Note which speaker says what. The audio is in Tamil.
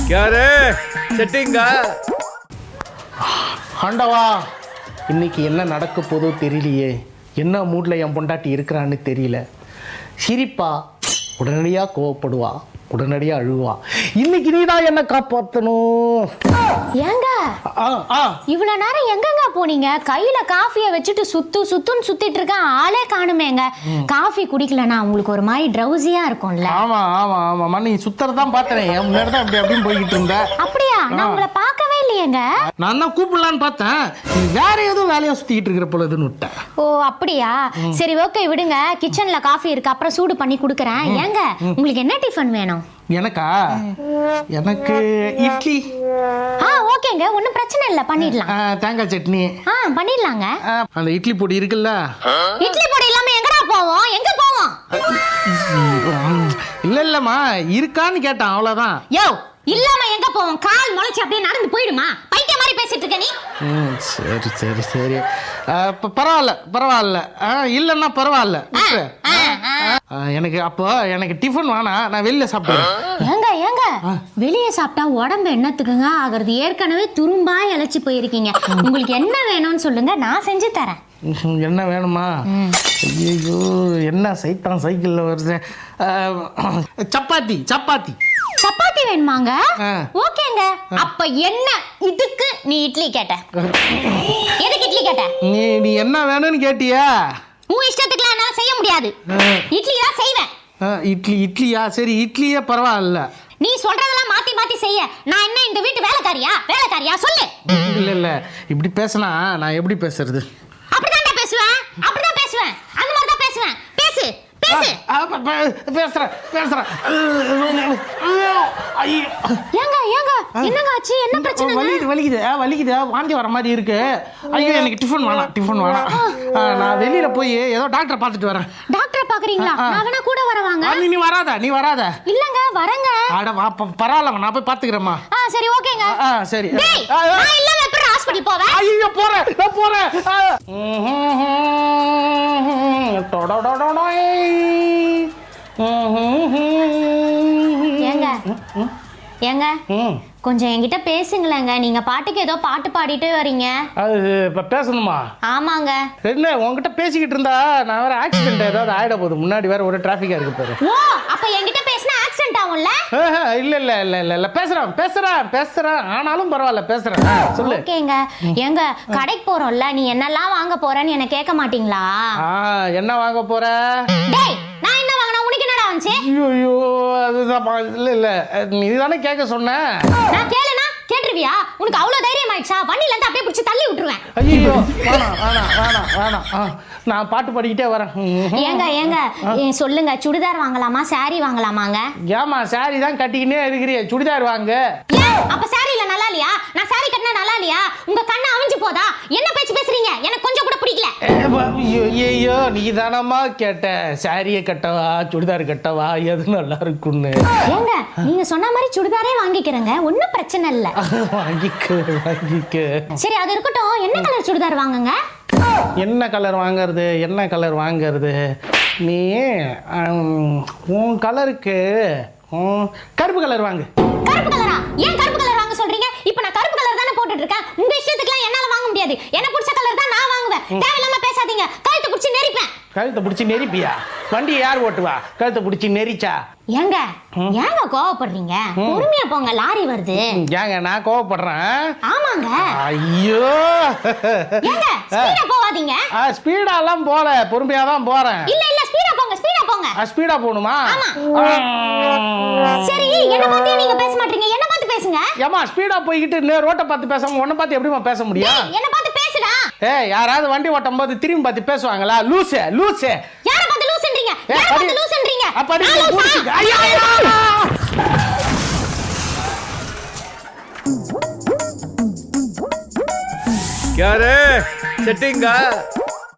Speaker 1: யாரு செட்டிங்கா?
Speaker 2: ஆண்டவா, இன்னைக்கு என்ன நடக்க போதோ தெரியலையே. என்ன மூட்ல என் பொண்டாட்டி இருக்கிறான்னு தெரியல. சிரிப்பா, உடனடியாக கோவப்படுவா, உடனடியாக அழுவா. இன்னைக்கு நீ தான் என்ன காப்பாற்றணும்.
Speaker 3: ஏங்க இவ்வளவு நேரம் எங்கங்க போனீங்க? கையில காஃபியை வச்சுட்டு சுத்துன்னு சுத்திட்டு இருக்கேன், ஆளே காணுமேங்க. காஃபி குடிக்கலனா உங்களுக்கு ஒரு மாதிரி ட்ரௌசியா இருக்கும்ல?
Speaker 2: ஆமா ஆமா ஆமா, நீ சுத்தறதான் பார்த்தேன். என் முன்னாடி தான் அப்படியும் போய்கிட்டு இருந்த.
Speaker 3: அப்படியா? நான் உங்களை பார்க்கவே இல்லையேங்க.
Speaker 2: நான் தான் கூப்பிடலான்னு பார்த்தேன், நீ வேற ஏதோ வேலையா சுத்திக்கிட்டு இருக்கிற பொழுதுன்னு விட்டேன்.
Speaker 3: ஓ அப்படியா? சரி ஓகே விடுங்க. கிச்சன்ல காஃபி இருக்கு, அப்புறம் சூடு பண்ணி கொடுக்குறேன். ஏங்க உங்களுக்கு என்ன டிஃபன் வேணும்?
Speaker 2: எனக்கா? எனக்கு இட்லி.
Speaker 3: ஓகேங்க, ஒன்றும் பிரச்சனை இல்லை, பண்ணிடலாம்.
Speaker 2: தேங்காய் சட்னி
Speaker 3: பண்ணிடலாங்க.
Speaker 2: அந்த இட்லி பொடி இருக்குல்ல?
Speaker 3: இட்லி பொடி இல்லாம எங்கடா போவோம்? எங்க போவோம்?
Speaker 2: இல்லம்மா, இருக்கான்னு கேட்டான், அவ்வளவுதான்.
Speaker 3: யோ, இல்லாம எங்க போவோம்? கால் முளைச்சு அப்படியே நடந்து போயிடுமா? பைத்திய மாதிரி பேசிட்டு இருக்க நீ.
Speaker 2: சரி சரி சரி, பரவாயில்ல. இல்லன்னா பரவாயில்ல. எனக்கு டிஃபன் வேணாம், நான் வெளியில சாப்பிடுறேன்.
Speaker 3: ஏங்க வெளியே சாப்பிட்டா உடம்பு என்னத்துக்குங்க ஆகுறது? ஏற்கனவே துரும்பா இழைச்சி போயிருக்கீங்க. உங்களுக்கு என்ன வேணும்னு சொல்லுங்க, நான் செஞ்சு தரேன்.
Speaker 2: என்ன வேணுமா? ஐயோ, என்ன சைத்தான் சைக்கிள்ல வருது. சப்பாத்தி வேணுமாங்க?
Speaker 3: ஓகேங்க. அப்ப என்ன இதுக்கு நீ இட்லி கேட்ட? எதுக்கு இட்லி கேட்ட?
Speaker 2: நீ என்ன வேணும்னு கேட்டியா?
Speaker 3: உன் இஷ்டத்துக்குலாம் என்னால செய்ய முடியாது. இட்லி தான் செய்வேன்.
Speaker 2: இட்லியா? சரி, இட்லியே பரவாயில்ல.
Speaker 3: நீ சொல்றதெல்லாம் மாத்தி மாத்தி செய்ய நான் என்ன இந்த வீட்டு வேலைக்காரியா சொல்லு.
Speaker 2: இல்ல, இப்படி பேசினா நான் எப்படி பேசுறது?
Speaker 3: அப்படிதான் பேசுவேன். அந்த மாதிரி தான் பேசுவேன். பேசு.
Speaker 2: பேசுறேன்.
Speaker 3: ஏங்க என்னங்க ஆச்சு? என்ன பிரச்சனை?
Speaker 2: வலிக்குது, வாந்தி வர மாதிரி இருக்கு. ஐயோ, எனக்கு டிஃபன் வேணாம். நான் வெளியில போய் ஏதோ டாக்டரை பார்த்துட்டு வரேன்.
Speaker 3: டாக்டரை பாக்குறீங்களா? நான் வேணா கூட வரவாங்க.
Speaker 2: நீ வராத.
Speaker 3: இல்லங்க, வரேங்க.
Speaker 2: அட வா, பரவாயில்ல, நான் போய் பாத்துக்கிறேம்மா.
Speaker 3: சரி ஓகேங்க.
Speaker 2: சரி.
Speaker 3: நான் இல்லங்க, எப்ப ஹாஸ்பிடல் போவேன்?
Speaker 2: ஐயோ, போறேன்.
Speaker 3: ஏங்க கொஞ்சம் என்கிட்ட பேசுங்களேங்க. நீங்க பாட்டுக்கு ஏதோ பாட்டு பாடிட்டே வரீங்க.
Speaker 2: அது இப்ப பேசணுமா?
Speaker 3: ஆமாங்க.
Speaker 2: என்ன உங்ககிட்ட பேசிக்கிட்டு இருந்தா நான் வேற ஆக்சிடென்ட் ஏதாவது ஆயிட போகுது. முன்னாடி வேற ஒரு டிராபிக்கா இருக்கு பாரு.
Speaker 3: ஓ, அப்ப என்கிட்ட பேசினா ஆக்சிடென்ட் ஆகும்ல?
Speaker 2: இல்ல, பேசுறேன். ஆனாலும் பரவாயில்ல, பேசுறேன். சொல்லு.
Speaker 3: ஓகேங்க. ஏங்க கடைக்கு போறோம்ல, நீ என்னெல்லாம் வாங்க போறேன்னு என்ன கேட்க மாட்டீங்களா?
Speaker 2: என்ன வாங்க போற?
Speaker 3: டேய், நான் என்ன வாங்கினா உனக்கு என்னடா வந்துச்சு?
Speaker 2: ஐயோ, அதுதான். இல்ல, நீ தானே கேட்க சொன்ன.
Speaker 3: நான் கேளுனா கேட்டுருவியா? உனக்கு அவ்வளவு தைரியம் ஆயிடுச்சா? வண்டியில இருந்து அப்படியே பிடிச்சி தள்ளி விட்டுருவேன்.
Speaker 2: ஐயோ, வேணாம். நான் பாட்டு பாடிக்கிட்டே வரேன்.
Speaker 3: ஏங்க சொல்லுங்க, சுடிதார் வாங்கலாமா சாரி வாங்கலாமாங்க?
Speaker 2: ஏமா, சாரி தான் கட்டிக்கினே இருக்கிறிய, சுடிதார் வாங்க.
Speaker 3: அப்ப சாரில நல்லா இல்லையா? நான் சாரி கட்டினா நல்லா இல்லையா? உங்க கண்ணு அவிஞ்சு போதா? என்ன பேச்சு பேசுறீங்க? எனக்கு கொஞ்சம் கூட பிடிக்கல.
Speaker 2: ஐயோ, நீ தானம்மா கேட்ட சாரியை கட்டவா சுடிதார் கட்டவா எது நல்லா இருக்குன்னு.
Speaker 3: ஏங்க நீங்க சொன்ன மாதிரி சுடிதாரே வாங்கிக்கிறேங்க, ஒன்னும் பிரச்சனை இல்ல.
Speaker 2: வாங்கிக்க.
Speaker 3: சரி, அது இருக்கட்டும். என்ன கலர் சுடிதார் வாங்குங்க?
Speaker 2: என்ன கலர் வாங்குறது? நீ உன் கலருக்கு கருப்பு கலர் வாங்கு.
Speaker 3: கருப்பு கலரா? ஏன் கருப்பு கலர் வாங்க சொல்றீங்க? இப்போ நான் கருப்பு கலர் தானே போட்டுட்டு இருக்கேன். உங்க இஷ்டத்துக்குலாம் என்னால வாங்க முடியாது. எனக்கு பிடிச்ச கலர் தான் நான் வாங்குவேன். தேவையில்லாம பேசாதீங்க, கழுத்தை பிடிச்சி நெரிப்பேன்.
Speaker 2: கழுத்தை பிடிச்சி நெரிப்பியா? வண்டி யார் ஓட்டுவா? கழுத்தை பிடிச்சி நெரிச்சா?
Speaker 3: ஏங்க கோவப்படுறீங்க? பொறுமையா போங்க, லாரி வருது.
Speaker 2: ஏங்க நான் கோவப்படுறேன்?
Speaker 3: ஆமாங்க.
Speaker 2: ஐயோ,
Speaker 3: ஏங்க ஸ்பீடா போவாதீங்க.
Speaker 2: ஸ்பீடா எல்லாம் போல, பொறுமையா தான் போறேன்.
Speaker 3: இல்ல ஸ்பீடா போங்க.
Speaker 2: ஸ்பீடா போணுமா?
Speaker 3: சரி, என்ன பார்த்து நீங்க பேச மாட்டீங்க, என்ன பார்த்து பேசுங்க.
Speaker 2: ஏமா, ஸ்பீடா போயிட்டு ரோட்ட பார்த்து பேசாம உன்னை பார்த்து எப்படிமா பேச முடியும்?
Speaker 3: என்ன பார்த்து பேசுடா.
Speaker 2: யாராவது வண்டி ஓட்டும் போது திரும்பி பார்த்து பேசுவாங்களா? லூசு.
Speaker 3: யார பார்த்து லூசுன்றீங்க?
Speaker 1: யாரு செட்டிங்கா?